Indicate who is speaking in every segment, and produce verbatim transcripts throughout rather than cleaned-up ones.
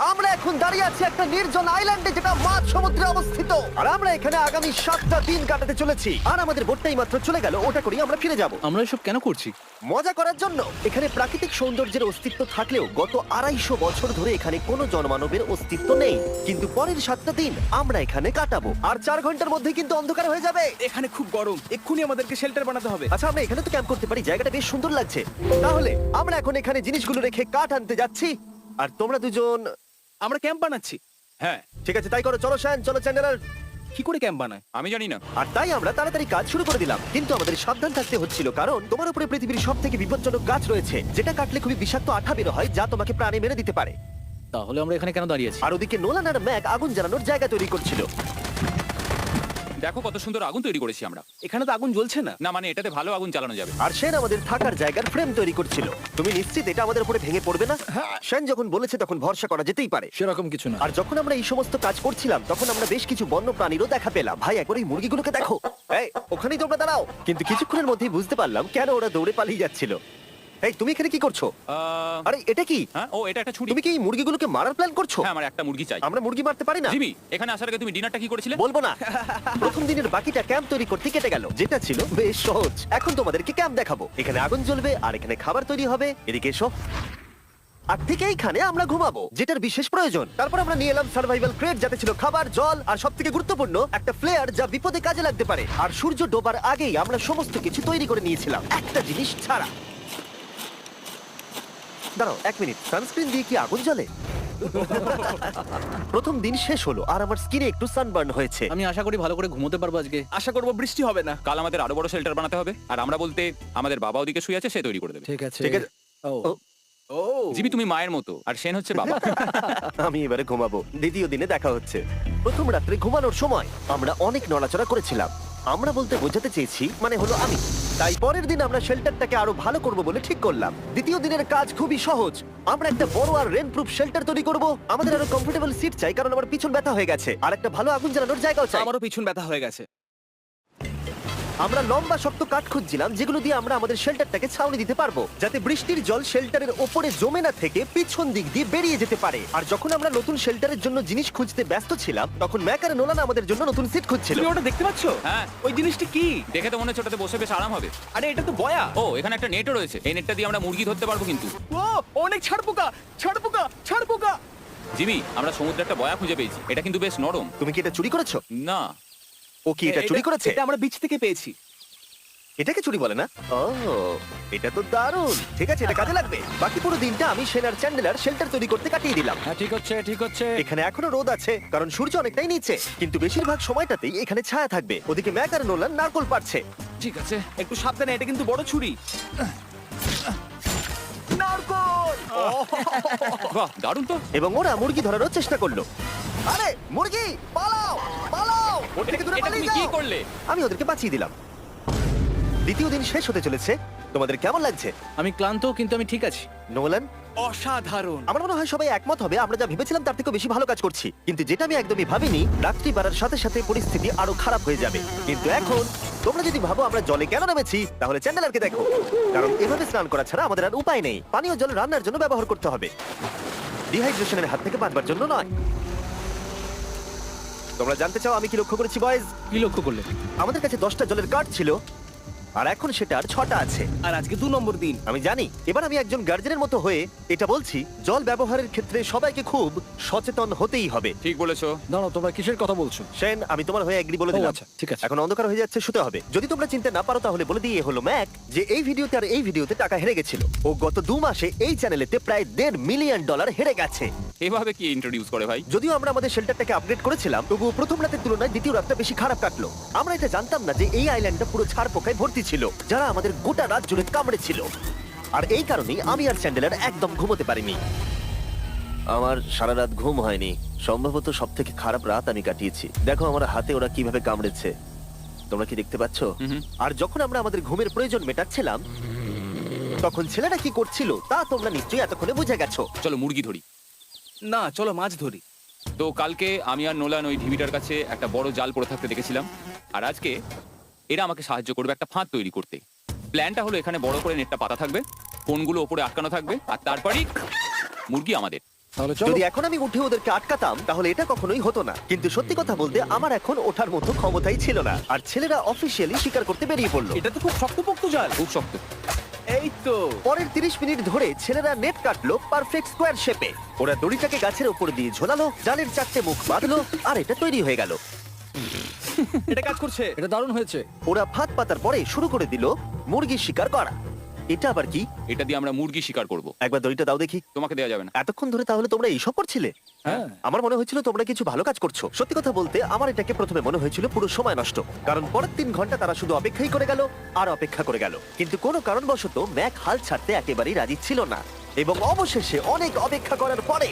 Speaker 1: আমরা এখন দাঁড়িয়ে আছি একটা নির্জন আইল্যান্ডে যেটা মাঝ সমুদ্রে অবস্থিত, আর আমরা এখানে আগামী সাতটা দিন কাটাতে চলেছি। আর আমাদের বোটটাই মাত্র চলে গেল, ওটা করি আমরা ফিরে যাব
Speaker 2: আমরা এসব কেন করছি?
Speaker 1: মজা করার জন্য। এখানে প্রাকৃতিক সৌন্দর্যের অস্তিত্ব থাকলেও গত আড়াইশো বছর ধরে এখানে কোনো জনমানবের অস্তিত্ব নেই। কিন্তু পরের সাতটা দিন আমরা এখানে কাটাবো, আর চার ঘন্টার মধ্যে কিন্তু অন্ধকার হয়ে যাবে।
Speaker 3: এখানে খুব গরম, এক্ষুনি আমাদেরকে শেল্টার বানাতে হবে।
Speaker 1: আচ্ছা, আমরা এখানে তো ক্যাম্প করতে পারি, জায়গাটা বেশ সুন্দর লাগছে। তাহলে আমরা এখন এখানে জিনিসগুলো রেখে কাঠ আনতে যাচ্ছি, আর তোমরা দুজন।
Speaker 3: আমরা ক্যাম্প বানাচ্ছি।
Speaker 4: হ্যাঁ,
Speaker 1: ঠিক আছে, তাই করো। চলো শ্যান, চলো চ্যান্ডেলার।
Speaker 3: কি করে ক্যাম্প বানায়?
Speaker 4: আমি জানি না।
Speaker 1: আর তাই আমরা তাড়াতাড়ি কাজ শুরু করে দিলাম, কিন্তু আমাদের সাবধান থাকতে হচ্ছিল, কারণ তোমার উপরে পৃথিবীর সব থেকে বিপজ্জনক গাছ রয়েছে, যেটা কাটলে খুবই বিষাক্ত আঠা বের হয়, যা তোমাকে প্রাণে মেরে দিতে পারে।
Speaker 2: তাহলে আমরা এখানে কেন দাঁড়িয়ে আছি?
Speaker 1: আর ওদিকে নোলান আর ম্যাক আগুন জ্বালানোর জায়গা তৈরি করছিল।
Speaker 4: দেখো কত সুন্দর আগুন তৈরি করেছি আমরা।
Speaker 3: এখানে তো আগুন জ্বলছে না।
Speaker 4: না মানে এটাতে ভালো আগুন চালানো যাবে।
Speaker 1: আর সেন আমাদের থাকার জায়গার ফ্রেম তৈরি করছিল। তুমি নিশ্চিত এটা আমাদের উপরে ভেঙে পড়বে না? সেন যখন বলেছে তখন ভরসা করা যেতেই পারে।
Speaker 2: সেরকম কিছু না।
Speaker 1: আর যখন আমরা এই সমস্ত কাজ করছিলাম তখন আমরা বেশ কিছু বন্য প্রাণীরও দেখা পেলাম। ভাই, একবার এই মুরগিগুলোকে দেখো। এই, ওখানেই তোমরা দাঁড়াও। কিন্তু কিছুক্ষণের মধ্যেই বুঝতে পারলাম কেন ওরা দৌড়ে পালিয়ে যাচ্ছিল। এই, তুমি এখানে কি করছো?
Speaker 4: আহ,
Speaker 1: আরে এটা কি?
Speaker 4: হ্যাঁ, ও এটা একটা ছুরি।
Speaker 1: তুমি কি এই মুরগিগুলোকে মারার প্ল্যান করছো?
Speaker 4: হ্যাঁ, আমার একটা মুরগি চাই।
Speaker 1: আমরা মুরগি মারতে পারি না।
Speaker 4: জিমি, এখানে আসার আগে তুমি ডিনারটা কি করেছিলে?
Speaker 1: বলবো না। প্রথম দিনের বাকিটা ক্যাম্প তৈরি করতে কেটে গেল, যেটা ছিল বেশ সহজ। এখন তোমাদেরকে ক্যাম্প দেখাবো। এখানে আগুন জ্বলবে আর এখানে খাবার তৈরি হবে। এদিকে এসো। আর ঠিক এইখানে আমরা ঘুমাবো, যেটার বিশেষ প্রয়োজন। তারপর আমরা নিয়ে এলাম সার্ভাইভাল ক্রেট, যাতে ছিল খাবার, জল আর সবথেকে গুরুত্বপূর্ণ একটা ফ্লেয়ার, যা বিপদে কাজে লাগতে পারে। আর সূর্য ডোবার আগেই আমরা সমস্ত কিছু তৈরি করে নিয়েছিলাম, একটা জিনিস ছাড়া। দাঁড়াও এক মিনিট, সানস্ক্রিন দিয়ে কি আগুন জ্বলে? প্রথম দিন শেষ হলো আর আমার স্কিনে একটু সানবার্ন হয়েছে।
Speaker 2: আমি আশা করি ভালো করে ঘুমোতে পারবো আজকে।
Speaker 3: আশা করবো বৃষ্টি হবে না।
Speaker 4: কাল আমাদের আরো বড় শেল্টার বানাতে হবে, আর আমরা বলতে আমাদের বাবা ওদিকে শুয়ে আছে, সে তৈরি করে দেবে।
Speaker 2: ঠিক আছে
Speaker 1: ঠিক আছে।
Speaker 2: ও
Speaker 1: ও,
Speaker 3: ও
Speaker 4: জিমি তুমি মায়ের মতো, আর সেন হচ্ছে বাবা।
Speaker 1: আমি এবারে ঘুমাবো। দ্বিতীয় দিনে দেখা হচ্ছে। প্রথম রাত্রে ঘুমানোর সময় আমরা অনেক নড়াচড়া করেছিলাম। আমরা বলতে বোঝাতে চেয়েছি, মানে হলো আমি। তাই পরের দিন আমরা শেল্টারটাকে আরো ভালো করব বলে ঠিক করলাম। দ্বিতীয় দিনের কাজ খুবই সহজ। আমরা একটা বড় আর রেন প্রুফ শেল্টার তৈরি করব। আমাদের আরো কমফোর্টেবল সিট চাই, কারণ আমার পিছন ব্যথা হয়ে গেছে, আর একটা ভালো আগুন জ্বালানোর জায়গাও চাই।
Speaker 3: আমারও পিছন ব্যথা হয়ে গেছে।
Speaker 1: আমরা লম্বা শক্ত কাঠ খুঁজছিলাম, যেগুলো দিয়ে আমরা আমাদের শেল্টারটাকে ছাউনি দিতে পারবো, যাতে বৃষ্টির জল শেল্টারের ওপরে জমে না থেকে পিছন দিক দিয়ে বেরিয়ে যেতে পারে। আর যখন আমরা নতুন শেল্টারের জন্য জিনিস খুঁজতে ব্যস্ত ছিলাম, তখন ম্যাক আর নোলান আমাদের জন্য নতুন সিট খুঁজছিল।
Speaker 3: তুমি ওটা দেখতে পাচ্ছ?
Speaker 4: হ্যাঁ।
Speaker 3: ওই জিনিসটা কি?
Speaker 4: দেখে তো মনে হচ্ছে ওটাতে বসে বেশ আরাম হবে।
Speaker 3: আরে এটা তো বয়া।
Speaker 4: ও, এখানে একটা নেটও রয়েছে। এই নেটটা দিয়ে আমরা মুরগি ধরতে পারবো। কিন্তু
Speaker 3: ও অনেক ছাড় পোকা, ছাড় পোকা, ছাড় পোকা।
Speaker 4: জিমি, আমরা সমুদ্রে একটা বয়া খুঁজে পেয়েছি। এটা কিন্তু বেশ নরম।
Speaker 1: তুমি কি এটা চুরি করেছো?
Speaker 4: না,
Speaker 1: ও কি এটা চুরি করেছে?
Speaker 3: এটা আমরা বিচ থেকে পেয়েছি।
Speaker 1: এটাকে চুরি বলে না? ও, এটা তো দারুণ। ঠিক আছে, এটা কাজে লাগবে। বাকি পুরো দিনটা আমি সেনার চ্যান্ডেলার শেল্টার তৈরি করতে কাটিয়ে দিলাম।
Speaker 2: হ্যাঁ ঠিক হচ্ছে ঠিক হচ্ছে
Speaker 1: এখানে এখনো রোদ আছে, কারণ সূর্য অনেকটাই নিচে, কিন্তু বেশিরভাগ সময়টাতেই এখানে ছায়া থাকবে। ওদিকে ম্যাক আর নোলান নারকল পাড়ছে।
Speaker 4: ঠিক আছে।
Speaker 3: একটু সাবধানে, এটা কিন্তু বড় ছুরি। নারকল।
Speaker 4: বাহ, দারুণ তো।
Speaker 1: এবং ওরা মুরগি ধরারও চেষ্টা করলো। আরে মুরগি, পালাও পালাও! ওর থেকে দূরে
Speaker 4: এটা
Speaker 1: পালিয়ে
Speaker 4: তুমি কি
Speaker 1: যাও।
Speaker 4: করলে?
Speaker 1: আমি ওদেরকে বাঁচিয়ে দিলাম। দ্বিতীয় দিন শেষ হতে চলেছে। তোমাদের কেমন লাগছে?
Speaker 2: আমি ক্লান্ত, কিন্তু আমি ঠিক আছি।
Speaker 1: নোলান,
Speaker 3: অসাধারণ।
Speaker 1: আমার মনে হয় সবাই একমত হবে, আমরা যা ভেবেছিলাম তার থেকে বেশি ভালো কাজ করছি। কিন্তু যেটা আমি একদমই ভাবিনি, রাত্রি বাড়ার সাথে সাথে পরিস্থিতি আরো খারাপ হয়ে যাবে। কিন্তু এখন তোমরা যদি ভাবো আমরা জলে কেন নেমেছি, তাহলে চ্যান্ডেলারকে দেখো। কারণ এভাবে স্নান করা ছাড়া আমাদের আর উপায় নেই। পানীয় জল রান্নার জন্য ব্যবহার করতে হবে, ডিহাইড্রেশনের হাত থেকে বাঁচবার জন্য নয়। তোমরা জানতে চাও আমি কি লক্ষ্য করেছি বয়েজ?
Speaker 2: কি লক্ষ্য করলে?
Speaker 1: আমাদের কাছে দশটা জলের কার্ড ছিল, আর এখন সেটা আর ছটা আছে।
Speaker 3: আর আজকে দু নম্বর দিন।
Speaker 1: আমি জানি। এবার আমি একজন গার্জেনের মতো হয়ে এটা বলছি, জল ব্যবহারের ক্ষেত্রে সবাইকে খুব সচেতন হতেই হবে।
Speaker 4: ঠিক বলেছো।
Speaker 2: দাঁড়াও, তোমরা কিসের কথা বলছো?
Speaker 1: সেন, আমি তোমার হয়ে এগ্রি বলে
Speaker 2: ও,
Speaker 1: দিলাম।
Speaker 2: আচ্ছা, ঠিক আছে।
Speaker 1: এখন অন্ধকার হয়ে যাচ্ছে, শুতে হবে। যদি তোমরা চিনতে না পারো তাহলে বলে দিয়ে হলো ম্যাক, যে এই ভিডিওতে আর এই ভিডিওতে টাকা হেরে গেছিল। ও গত দু মাসে এই চ্যানেলেতে প্রায় দেড় মিলিয়ন ডলার হেরে গেছে।
Speaker 4: এভাবে কি ইন্ট্রোডিউস করে ভাই?
Speaker 1: যদিও আমরা আমাদের শেল্টারটাকে আপগ্রেড করেছিলাম, তবুও প্রথম রাতের তুলনায় দ্বিতীয় রাতটা বেশি খারাপ কাটলো। আমরা এটা জানতাম না যে এই আইল্যান্ডটা পুরো ছাড় পোকায় ভর্তি ছিল, যারা আমাদের গোটা রাত জুড়ে কামড়েছিল। আর এই কারণেই আমি আর চ্যান্ডেলার একদম ঘুমোতে পারিনি। আমার সারা রাত ঘুম হয়নি। সম্ভবত সব থেকে খারাপ রাত আমি কাটিয়েছি। দেখো আমার হাতে ওরা কিভাবে কামড়েছে, তোমরা কি দেখতে পাচ্ছ? আর যখন আমরা আমাদের ঘুমের প্রয়োজন মেটাচ্ছিলাম, তখন ছেলেরা কি করছিল তা তোমরা নিশ্চয়ই এতক্ষণে বুঝে গেছো।
Speaker 4: চলো মুরগি ধরি।
Speaker 3: না, চলো মাছ ধরি।
Speaker 4: তো কালকে আমি আর নোলান ওই ঢিবিটার কাছে একটা বড় জাল পড়ে থাকতে দেখেছিলাম, আর আজকে এরা আমাকে সাহায্য করবে একটা ফাঁদ তৈরি করতে। প্ল্যানটা হলো এখানে বড় করে নেটটা পাতা থাকবে, ফোনগুলো ওপরে আটকানো থাকবে, আর তারপরই মুরগি আমাদের।
Speaker 2: তাহলে চলো।
Speaker 1: যদি এখন আমি উঠে ওদেরকে আটকাতাম তাহলে এটা কখনোই হতো না, কিন্তু সত্যি কথা বলতে আমার এখন ওঠার মতো ক্ষমতাই ছিল না, আর ছেলেরা অফিসিয়ালি স্বীকার করতে বেরিয়ে পড়লো।
Speaker 3: এটা তো খুব শক্তপোক্ত জাল।
Speaker 4: খুব শক্ত।
Speaker 3: এই তো
Speaker 1: পরের তিরিশ মিনিট ধরে ছেলেরা নেট কাটলো পারফেক্ট স্কোয়ার শেপে। ওরা দড়িটাকে গাছের উপর দিয়ে ঝোলালো, জালের চারটে মুখ বাঁধলো, আর এটা তৈরি হয়ে গেল।
Speaker 3: এটা কাজ করছে।
Speaker 2: এটা দারুণ হয়েছে।
Speaker 1: ওরা ফাঁদ পাতার পরে শুরু করে দিল মুরগি শিকার করা। এটা আবার কি?
Speaker 4: এটা দিয়ে আমরা মুরগি শিকার করব।
Speaker 1: একবার দড়িটা দাও দেখি।
Speaker 4: তোমাকে দেওয়া যাবে না।
Speaker 1: এতক্ষণ ধরে তাহলে তোমরা এইসব করছিলে?
Speaker 2: হ্যাঁ।
Speaker 1: আমার মনে হয়েছিল তোমরা কিছু ভালো কাজ করছো। সত্যি কথা বলতে আমার এটাকে প্রথমে মনে হয়েছিল পুরো সময় নষ্ট, কারণ পরের তিন ঘন্টা তারা শুধু অপেক্ষাই করে গেল আর অপেক্ষা করে গেল। কিন্তু কোনো কারণবশত ম্যাক হাল ছাড়তে একেবারেই রাজি ছিল না, এবং অবশেষে অনেক অপেক্ষা করার পরে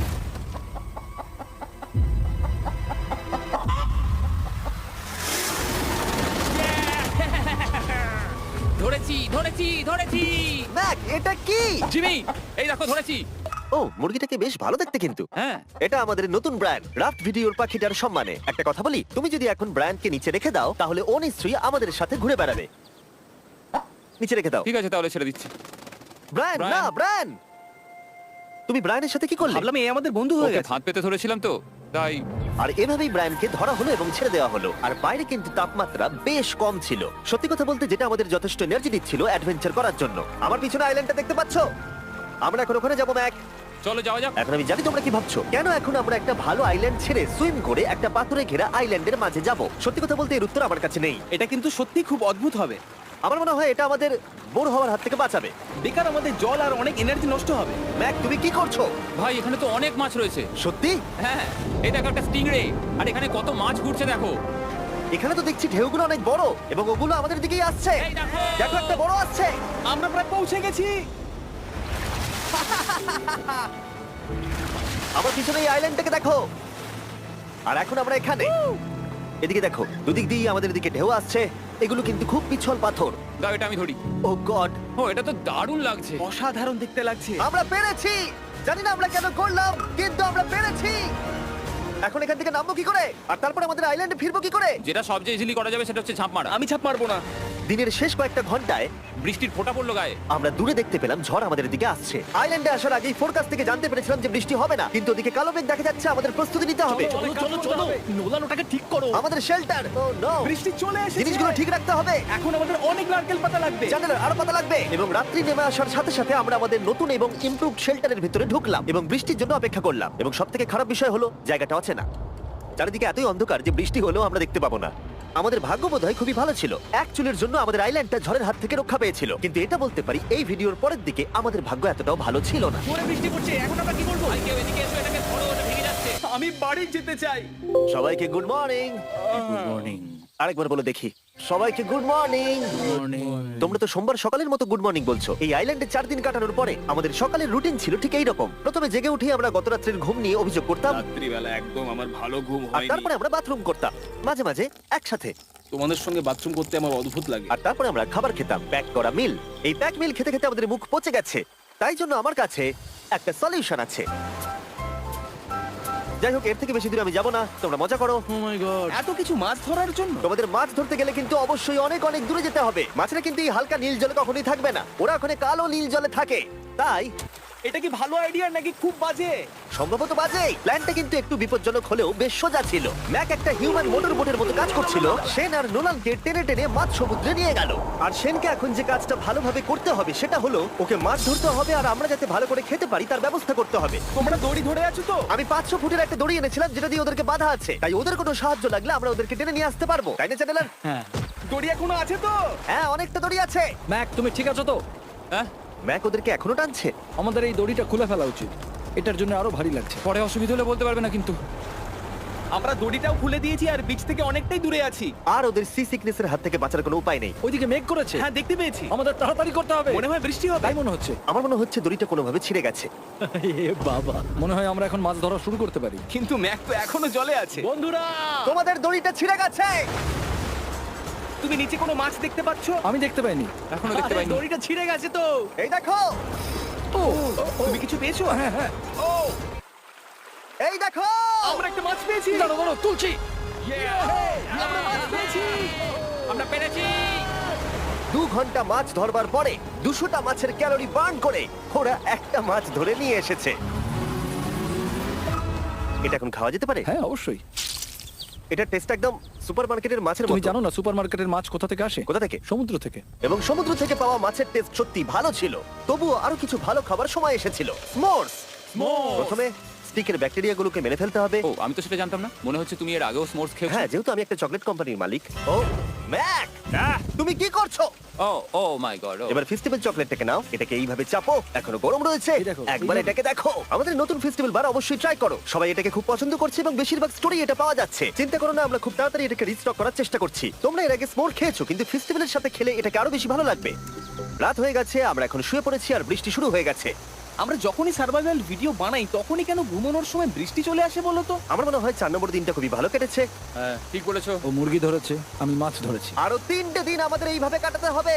Speaker 4: ধরেছি ধরেছি ধরেছি।
Speaker 1: ম্যাক, এটা কি?
Speaker 4: জিমি, এই দেখো ধরেছি।
Speaker 1: ও, মুরগিটাকে বেশ ভালো দেখতে কিন্তু।
Speaker 4: হ্যাঁ।
Speaker 1: এটা আমাদের নতুন ব্র্যান্ড রাফট ভিডিওর পাখিটার সম্মানে। একটা কথা বলি, তুমি যদি এখন ব্র্যান্ডকে নিচে রেখে দাও তাহলে ও নিশ্চয়ই আমাদের সাথে ঘুরে বেড়াবে। নিচে রেখে দাও।
Speaker 4: ঠিক আছে, তাহলে ছেড়ে দিচ্ছি।
Speaker 1: Brian,
Speaker 4: Brian.
Speaker 1: না ব্রায়ান, তুমি ব্রায়ানের সাথে কি করলে?
Speaker 3: ভাবলাম এই আমাদের বন্ধু হয়ে
Speaker 4: ওকে
Speaker 3: গেছে।
Speaker 4: ফাঁদ পেতে ধরেছিলাম তো, তাই।
Speaker 1: আর এভাবেই ব্রায়ানকে ধরা হলো এবং ছেড়ে দেওয়া হলো। আর বাইরে কিন্তু তাপমাত্রা বেশ কম ছিল, সত্যি কথা বলতে যেটা আমাদের যথেষ্ট এনার্জি দিচ্ছিল অ্যাডভেঞ্চার করার জন্য। আমার পিছনে আইল্যান্ডটা দেখতে পাচ্ছ? আমরা এখন ওখানে যাবো ম্যাক।
Speaker 4: চলো যাওয়া যাক।
Speaker 1: এখন আমি জানি তোমরা কি ভাবছো, কেন এখন আমরা একটা ভালো আইল্যান্ড ছেড়ে সুইম করে একটা পাথরে ঘেরা আইল্যান্ডের মাঝে যাব? সত্যি কথা বলতে এর উত্তর আমার কাছে নেই।
Speaker 3: এটা কিন্তু সত্যি খুব অদ্ভুত হবে।
Speaker 1: আমার মনে হয় এটা আমাদের বোর হওয়ার হাত থেকে বাঁচাবে।
Speaker 3: বেকার আমাদের জল আর অনেক এনার্জি নষ্ট হবে।
Speaker 1: ম্যাক, তুমি কি করছো?
Speaker 4: ভাই, এখানে তো অনেক মাছ রয়েছে।
Speaker 1: সত্যি?
Speaker 4: হ্যাঁ, এই দেখো একটা স্টিংরে, আর এখানে কত মাছ ঘুরছে দেখো।
Speaker 1: এখানে তো দেখছি ঢেউগুলো অনেক বড় এবং ওগুলো আমাদের দিকেই আসছে।
Speaker 4: এই দেখো।
Speaker 1: দেখো, একটা বড় আসছে।
Speaker 3: আমরা প্রায় পৌঁছে গেছি।
Speaker 1: আমার পিছনে এই আইল্যান্ডটাকে দেখো। আর এখন আমরা এখানে। এদিকে দেখো, দুদিক দিয়ে আমাদের দিকে ঢেউ আসছে। এগুলো কিন্তু খুব পিছল পাথর।
Speaker 4: দাও, এটা আমি ধরি।
Speaker 1: ও গড,
Speaker 4: ও, এটা তো দারুণ লাগছে।
Speaker 3: অসাধারণ দেখতে লাগছে।
Speaker 1: আমরা পেরেছি। জানি না আমরা কেন করলাম, কিন্তু আমরা পেরেছি। এখন এখান থেকে নামবো কি করে, আর তারপর আমাদের আইল্যান্ডে ফিরবো কি করে?
Speaker 4: যেটা সবচেয়ে ইজিলি করা যাবে সেটা হচ্ছে ঝাঁপ মারা।
Speaker 3: আমি ছাপ মারবো না।
Speaker 1: দিনের শেষ কয়েকটা ঘন্টায়
Speaker 4: বৃষ্টির ফোঁটা পড়লো গায়ে।
Speaker 1: আমরা দূরে দেখতে পেলাম ঝড় আমাদের দিকে আসছে। আইল্যান্ডে আসার আগেই ফোরকাস্ট থেকে জানতে পেরেছিলাম যে বৃষ্টি হবে না, কিন্তু ওদিকে কালো মেঘ দেখা যাচ্ছে। আমাদের প্রস্তুতি নিতে হবে।
Speaker 3: চলো চলো চলো, নোলান ওটাকে ঠিক করো।
Speaker 1: আমাদের শেল্টার, ও নো,
Speaker 3: বৃষ্টি চলে এসেছে।
Speaker 1: জিনিসগুলো ঠিক রাখতে হবে।
Speaker 3: এখন আমাদের অনেক নারকেল পাতা লাগবে।
Speaker 1: জানালার আরো পাতা লাগবে। এবং রাত্রি নেমে আসার সাথে সাথে আমরা আমাদের নতুন এবং ইমপ্রুভড শেল্টারের ভিতরে ঢুকলাম এবং বৃষ্টির জন্য অপেক্ষা করলাম। এবং সব থেকে খারাপ বিষয় হলো জায়গাটা অচেনা। চারিদিকে এতই অন্ধকার যে বৃষ্টি হলেও আমরা দেখতে পাবো না। আমাদের ভাগ্য বোধহয় খুবই ভালো ছিল, এক চুলের জন্য আমাদের আইল্যান্ডটা ঝড়ের হাত থেকে রক্ষা পেয়েছিল। কিন্তু এটা বলতে পারি এই ভিডিওর পরের দিকে আমাদের ভাগ্য এতটাও ভালো ছিল না।
Speaker 3: জোরে বৃষ্টি পড়ছে, এখন আমরা কি করব?
Speaker 4: ভাই, কেউ এদিকে এসো, এটাকে ধরো, ওটা ভেঙে যাচ্ছে।
Speaker 3: আমি বাড়ি যেতে চাই।
Speaker 1: সবাইকে গুড মর্নিং।
Speaker 2: Good morning.
Speaker 1: আরেকবার বলে দেখি, সবাইকে গুড মর্নিং। তোমরা তো সোমবার সকালের মতো গুড মর্নিং বলছো। এই আইল্যান্ডে চার দিন কাটানোর পরে আমাদের সকালের রুটিন ছিল ঠিক এই রকম। প্রথমে জেগে উঠে আমরা গত রাত্রের ঘুম নিয়ে অভিযোগ করতাম,
Speaker 3: রাত্রিবেলা একদম আমার ভালো ঘুম
Speaker 1: আর
Speaker 3: হয়নি।
Speaker 1: তারপরে আমরা বাথরুম করতাম, মাঝে মাঝে একসাথে।
Speaker 3: তোমাদের সঙ্গে বাথরুম করতে আমার অদ্ভুত লাগে।
Speaker 1: আর তারপরে আমরা খাবার খেতাম, প্যাক করা মিল। এই প্যাক মিল খেতে খেতে আমাদের মুখ পচে গেছে, তাই জন্য আমার কাছে একটা সলিউশন আছে। যাই হোক, এর থেকে বেশি দূরে আমি যাবো না, তোমরা মজা করো।
Speaker 2: Oh my god.
Speaker 3: এত কিছু মাছ ধরার জন্য?
Speaker 1: তোমাদের মাছ ধরতে গেলে কিন্তু অবশ্যই অনেক অনেক দূরে যেতে হবে। মাছেরা কিন্তু এই হালকা নীল জলে কখনোই থাকবে না, ওরা ওখানে কালো নীল জলে থাকে। তাই
Speaker 3: এটা কি ভালো আইডিয়া নাকি খুব বাজে?
Speaker 1: সম্ভবত বাজে। প্ল্যানটা কিন্তু একটু বিপজ্জনক হলেও বেশ সোজা ছিল। ম্যাক একটা হিউম্যান মোটর বোটের মতো কাজ করছিল। সেন আর নোলানকে টেনে টেনে মাছ সমুদ্রে নিয়ে গেল। আর সেনকে এখন যে কাজটা ভালোভাবে করতে হবে সেটা হলো ওকে মাছ ধরতে হবে, আর আমরা যাতে ভালো করে খেতে পারি তার ব্যবস্থা করতে হবে।
Speaker 3: তোমরা দড়ি ধরে আছো তো?
Speaker 1: আমি পাঁচশো ফুটের একটা দড়ি এনেছিলাম যেটা দিয়ে ওদেরকে বাধা আছে, তাই ওদের কোনো সাহায্য লাগলে আমরা ওদেরকে টেনে নিয়ে আসতে পারবো, তাই না চ্যানেলার?
Speaker 2: হ্যাঁ।
Speaker 3: দড়ি এখনো আছে তো?
Speaker 1: হ্যাঁ, অনেকটা দড়ি আছে।
Speaker 2: ম্যাক, তুমি ঠিক আছো তো?
Speaker 4: হ্যাঁ,
Speaker 1: ম্যাক ওদেরকে এখনো টানছে।
Speaker 2: আমাদের এই দড়িটা খুলে ফেলা উচিত, এটার জন্য আরো ভারী লাগছে।
Speaker 4: পরে অসুবিধা হলে বলতে পারবে না কিন্তু।
Speaker 3: আমরা দড়িটাও খুলে দিয়েছি আর বিচ থেকে অনেকটাই দূরে আছি।
Speaker 1: আর ওদের সি সিকনেসের হাত থেকে বাঁচার কোনো উপায় নেই।
Speaker 2: ওইদিকে মেঘ করেছে।
Speaker 3: হ্যাঁ, দেখতে পেয়েছি।
Speaker 2: আমাদের তাড়াতাড়ি করতে হবে।
Speaker 3: মনে হয় বৃষ্টি হবে।
Speaker 2: তাই মনে হচ্ছে।
Speaker 1: আমার মনে হচ্ছে দড়িটা কোনোভাবে ছিঁড়ে গেছে।
Speaker 2: এ বাবা, মনে হয় আমরা এখন মাছ ধরা শুরু করতে পারি।
Speaker 3: কিন্তু ম্যাক তো এখনো জলে আছে।
Speaker 2: বন্ধুরা,
Speaker 1: তোমাদের দড়িটা ছিঁড়ে গেছে।
Speaker 3: তুমি নিচে কোনো মাছ দেখতে পাচ্ছ?
Speaker 2: আমি দেখতে পাইনি।
Speaker 4: এখনো দেখতে
Speaker 3: আরে,
Speaker 4: পাইনি।
Speaker 3: দড়িটা ছিঁড়ে গেছে তো।
Speaker 1: এই দেখো,
Speaker 2: ও,
Speaker 3: তুমি কিছু পেয়েছো?
Speaker 2: হ্যাঁ হ্যাঁ।
Speaker 3: ও,
Speaker 1: এই দেখো।
Speaker 3: আমরা একটা মাছ পেয়েছি।
Speaker 2: দাঁড়ো দাঁড়ো, তুলছি।
Speaker 3: আমরা মাছ পেয়েছি।
Speaker 4: আমরা পেরেছি।
Speaker 1: দু ঘন্টা মাছ ধরবার পরে দুশোটা মাছের ক্যালোরি বার্ন করে ওরা একটা মাছ ধরে নিয়ে এসেছে। এটা এখন খাওয়া যেতে পারে?
Speaker 2: হ্যাঁ অবশ্যই।
Speaker 1: এটা টেস্ট একদম সুপারমার্কেটের মাছের
Speaker 2: তুমি
Speaker 1: মতো।
Speaker 2: জানো না সুপারমার্কেটের মাছ কোথা থেকে আসে?
Speaker 1: কোথা থেকে?
Speaker 2: সমুদ্র থেকে।
Speaker 1: এবং সমুদ্র থেকে পাওয়া মাছের টেস্ট সত্যি ভালো ছিল। তবুও আরো কিছু ভালো খাবার সময় এসেছিল। স্মোর্স। প্রথমে স্টিকের ব্যাকটেরিয়াগুলোকে মেরে ফেলতে হবে।
Speaker 4: ও আমি তো সেটা জানতাম না, মনে হচ্ছে তুমি এর আগেও স্মোর্স খেয়েছো।
Speaker 1: হ্যাঁ, যেহেতু আমি একটা চকলেট কোম্পানির মালিক। ও ম্যাক, তুমি কি করছো?
Speaker 4: ও ও মাই গড।
Speaker 1: এবার ফেস্টিভ্যাল চকলেটটাকে নাও, এটাকে এইভাবে চাপো, এখনো গরম রয়েছে।
Speaker 2: এই দেখো,
Speaker 1: একবার
Speaker 2: এইভাবে।
Speaker 1: এটাকে দেখো। আমাদের নতুন ফেস্টিভ্যাল বার অবশ্যই ট্রাই করো। সবাই এটাকে খুব পছন্দ করছে এবং বেশিরভাগ স্টোরি এটা পাওয়া যাচ্ছে। চিন্তা করো না, আমরা খুব তাড়াতাড়ি এটাকে রিস্টক করার চেষ্টা করছি। তোমরা এর আগে স্মোর খেয়েছো, কিন্তু ফেস্টিভ্যালের সাথে খেলে এটাকে আরো বেশি ভালো লাগবে। রাত হয়ে গেছে, আমরা এখন শুয়ে পড়েছি আর বৃষ্টি শুরু হয়ে গেছে।
Speaker 3: আমরা যখনই সার্ভাইভাল ভিডিও বানাই তখনই কেন ঘুমানোর সময় বৃষ্টি চলে আসে বলো তো?
Speaker 1: আমার মনে হয় চার নম্বর দিনটা খুবই ভালো কেটেছে।
Speaker 4: হ্যাঁ ঠিক বলেছো।
Speaker 2: ও মুরগি ধরেছে, আমি মাছ ধরেছি।
Speaker 1: আরো তিনটে দিন আমাদের এইভাবে কাটাতে হবে।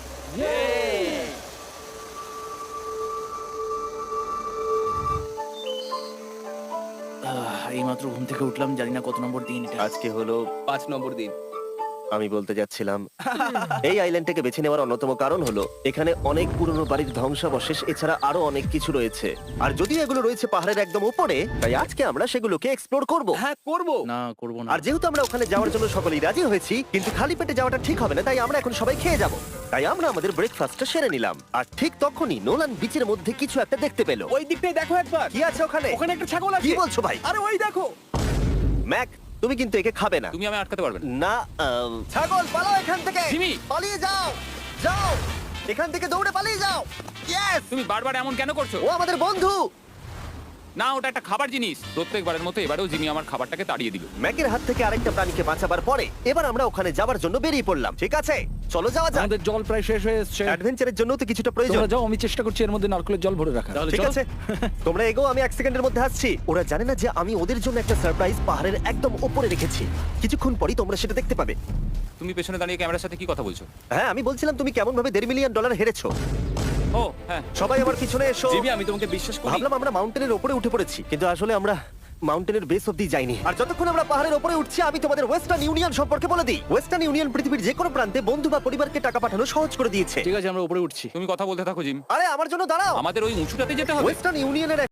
Speaker 5: এই মাত্র ঘুম থেকে উঠলাম, জানি না কত নম্বর দিন এটা।
Speaker 1: আজকে হলো,
Speaker 3: পাঁচ নম্বর দিন।
Speaker 1: আমি বলতে যাচ্ছিলাম এই আইল্যান্ডটাকে বেছে নেওয়ার অন্যতম কারণ হলো এখানে অনেক পুরনো বাড়ির ধ্বংসাবশেষ এছাড়া আরো অনেক কিছু রয়েছে। আর যদিও এগুলো রয়েছে পাহাড়ের একদম উপরে, তাই আজকে আমরা সেগুলোকে এক্সপ্লোর করব।
Speaker 3: হ্যাঁ করব।
Speaker 5: না করবো না।
Speaker 1: আর যেহেতু আমরা ওখানে যাওয়ার জন্য সকলেই রাজি হয়েছি, কিন্তু খালি পেটে যাওয়াটা ঠিক হবে না, তাই আমরা এখন সবাই খেয়ে যাব। তাই আমরা আমাদের ব্রেকফাস্টটা সেরে নিলাম। আর ঠিক তখনই নোলান বিচের মধ্যে কিছু একটা দেখতে পেল।
Speaker 3: ওই দিকটাই দেখো একবার।
Speaker 1: কি আছে ওখানে?
Speaker 3: ওখানে একটা ছাগল আছে।
Speaker 1: কি বলছো ভাই?
Speaker 3: আরে ওই দেখো।
Speaker 1: ম্যাক, তুমি কিন্তু একে খাবে না।
Speaker 4: তুমি আমি আটকাতে পারবে না।
Speaker 1: না, আম, ছাগল পালাও এখান থেকে।
Speaker 4: জিমি!
Speaker 1: পালিয়ে যাও, যাও এখান থেকে, দৌড়ে পালিয়ে যাও। ইয়েস,
Speaker 4: তুমি বারবার এমন কেন করছো?
Speaker 1: ও আমাদের বন্ধু।
Speaker 4: না ওটা একটা খাবার জিনিস। প্রত্যেকবারের মতো এবারেও জিমি আমার খাবারটাকে তাড়িয়ে দিল।
Speaker 1: ম্যাকের হাত থেকে আরেকটা প্রাণীকে বাঁচাবার পরে এবার আমরা ওখানে যাওয়ার জন্য বেরিয়ে পড়লাম। ঠিক আছে, চলো যাওয়া যাক।
Speaker 2: আমাদের জল প্রায় শেষ হয়ে এসেছে।
Speaker 1: অ্যাডভেঞ্চারের জন্য তো কিছুটা প্রয়োজন।
Speaker 2: তোমরা যাও, আমি চেষ্টা করছি এর মধ্যে নারকেলের জল ভরে রাখা।
Speaker 5: তাহলে
Speaker 1: ঠিক
Speaker 5: চলো।
Speaker 1: আছে, তোমরা এগো, আমি এক সেকেন্ডের মধ্যে আসছি। ওরা জানে না যে আমি ওদের জন্য একটা সারপ্রাইজ পাহাড়ের একদম উপরে রেখেছি। কিছুক্ষণ পরই তোমরা সেটা দেখতে পাবে।
Speaker 4: তুমি পেছনে দাঁড়িয়ে ক্যামেরার সাথে কি কথা বলছো?
Speaker 1: হ্যাঁ, আমি বলছিলাম তুমি কেমন ভাবে দেড় মিলিয়ন ডলার হেরেছো।
Speaker 4: ও হ্যাঁ।
Speaker 1: সবাই আমার পিছনে এসো।
Speaker 3: জিমি আমি তোমাকে বিশ্বাস করি।
Speaker 1: ভাবলাম আমরা মাউন্টেনের উপরে উঠে পড়েছি, কিন্তু আসলে আমরা মাউন্টেনের বেস অব্দি যাইনি। আর যতক্ষণ আমরা পাহাড়ের উপরে উঠছি, আমি তোমাদের ওয়েস্টার্ন ইউনিয়ন সম্পর্কে বলে দিই। ওয়েস্টার্ন ইউনিয়ন পৃথিবীর যে কোনো প্রান্তে বন্ধু বা পরিবারকে টাকা পাঠানো সহজ করে দিয়েছে।
Speaker 5: ঠিক আছে, আমরা উপরে উঠছি।
Speaker 4: তুমি কথা বলতে থাকো জিম।
Speaker 1: আরে আমার জন্য দাঁড়াও।
Speaker 4: আমাদের ওই উঁচুটাতে যেতে হবে।
Speaker 1: ওয়েস্টার্ন ইউনিয়নের